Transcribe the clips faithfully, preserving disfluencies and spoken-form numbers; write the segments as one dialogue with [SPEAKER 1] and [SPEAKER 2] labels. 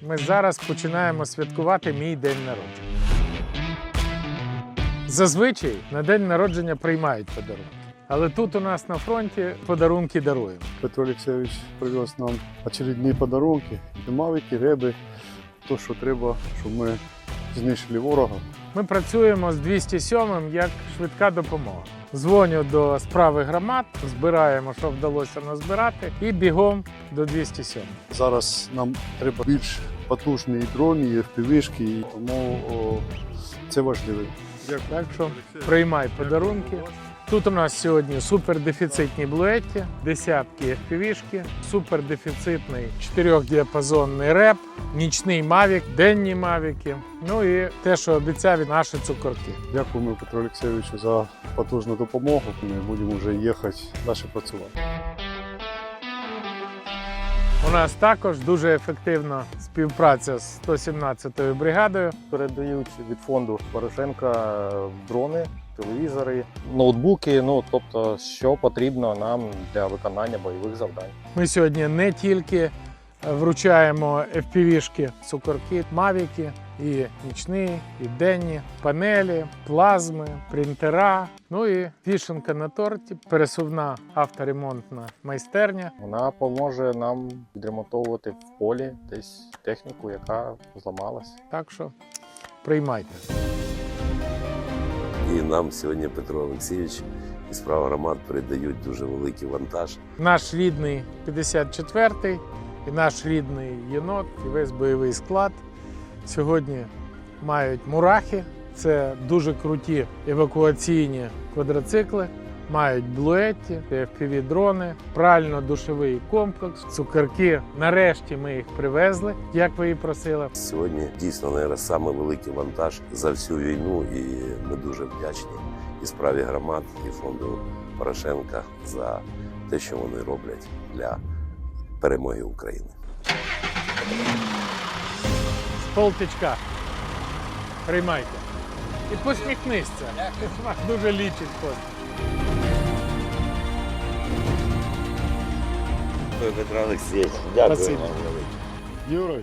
[SPEAKER 1] Ми зараз починаємо святкувати мій день народження. Зазвичай на день народження приймають подарунки. Але тут у нас на фронті подарунки даруємо.
[SPEAKER 2] Петро Олексійович привез нам очередні подарунки, мавіки, реби, то, що треба, щоб ми знищили ворога.
[SPEAKER 1] Ми працюємо з двісті сьомим як швидка допомога. Дзвоню до справи громад, збираємо, що вдалося назбирати, і бігом до двісті сьомого.
[SPEAKER 2] Зараз нам треба більш потужні дрони, і еф пі ві-шки, тому о, це важливо.
[SPEAKER 1] Так що приймай подарунки. Тут у нас сьогодні супердефіцитні блуетті, десятки еф пі ві-шки, супердефіцитний чотирьохдіапазонний реп, нічний мавік, денні мавіки, ну і те, що обіцяв, наші цукорки.
[SPEAKER 2] Дякуємо Петру Олексійовичу за потужну допомогу. Ми будемо вже їхати далі працювати.
[SPEAKER 1] У нас також дуже ефективна співпраця з сто сімнадцятою бригадою.
[SPEAKER 3] Передають від фонду Порошенка дрони, телевізори, ноутбуки, ну тобто, що потрібно нам для виконання бойових завдань.
[SPEAKER 1] Ми сьогодні не тільки вручаємо еф пі ві-шки, цукорки, мавіки, і нічні, і денні, панелі, плазми, принтера, ну і вішенка на торті, пересувна авторемонтна майстерня.
[SPEAKER 3] Вона допоможе нам відремонтовувати в полі десь техніку, яка зламалась.
[SPEAKER 1] Так що приймайте.
[SPEAKER 4] І нам сьогодні Петро Олексійович і справа громад передають дуже великий вантаж.
[SPEAKER 1] Наш рідний п'ятдесят четвертий і наш рідний єнот, і весь бойовий склад сьогодні мають мурахи. Це дуже круті евакуаційні квадроцикли, мають блуетті, еф пі ві-дрони, прально-душовий комплекс, цукерки. Нарешті ми їх привезли, як ви і просили.
[SPEAKER 4] Сьогодні дійсно, мабуть, саме великий вантаж за всю війну, і ми дуже вдячні і справі громад, і фонду Порошенка за те, що вони роблять для перемоги України.
[SPEAKER 1] З полтичка. Приймайте. І посміхнися. Дуже лічить посміх.
[SPEAKER 4] Петро Олексійович,
[SPEAKER 1] Спасибо.
[SPEAKER 4] вам велике.
[SPEAKER 2] Юрій,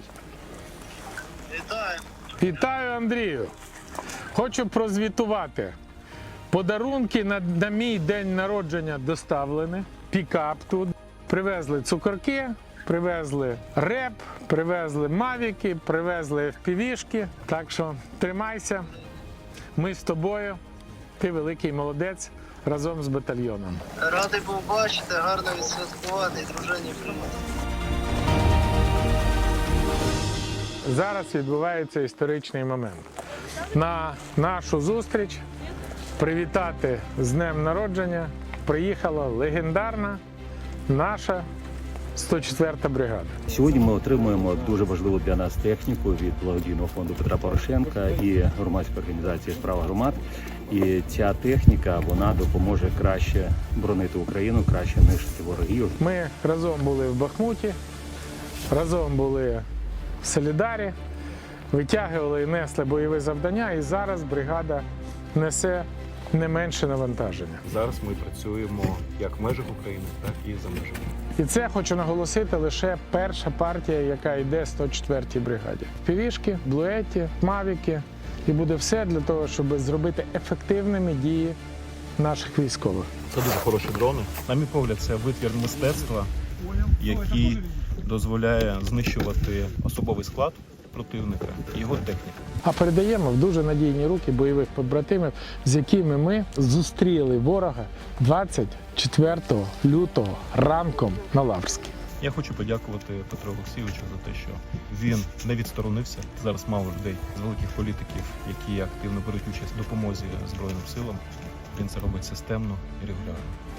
[SPEAKER 1] Вітаю, Андрію. Хочу прозвітувати. Подарунки на, на мій день народження доставлені. Пікап тут. Привезли цукорки, привезли реп, привезли мавіки, привезли еф пі ві-шки. Так що тримайся. Ми з тобою. Ти великий молодець разом з батальйоном.
[SPEAKER 5] Радий був бачити, гарно відсвяткувати і дружині приймати.
[SPEAKER 1] Зараз відбувається історичний момент. На нашу зустріч привітати з днем народження приїхала легендарна наша сто четверта бригада.
[SPEAKER 6] Сьогодні ми отримуємо дуже важливу для нас техніку від благодійного фонду Петра Порошенка і громадської організації «Справа громад». І ця техніка, вона допоможе краще боронити Україну, краще нищити ворогів.
[SPEAKER 1] Ми разом були в Бахмуті, разом були в Солідарі, витягували і несли бойові завдання, і зараз бригада несе не менше навантаження.
[SPEAKER 7] Зараз ми працюємо як в межах України, так і за межами.
[SPEAKER 1] І це, хочу наголосити, лише перша партія, яка йде сто четвертій бригаді. Півішки, блуетті, мавіки. І буде все для того, щоб зробити ефективними дії наших військових.
[SPEAKER 7] Це дуже хороші дрони. На мій погляд, це витвір мистецтва, який дозволяє знищувати особовий склад противника і його техніку.
[SPEAKER 1] А передаємо в дуже надійні руки бойових побратимів, з якими ми зустріли ворога двадцять четвертого лютого ранком на Лаврській.
[SPEAKER 7] Я хочу подякувати Петру Олексійовичу за те, що він не відсторонився. Зараз мало людей з великих політиків, які активно беруть участь в допомозі Збройним силам. Він це робить системно і регулярно.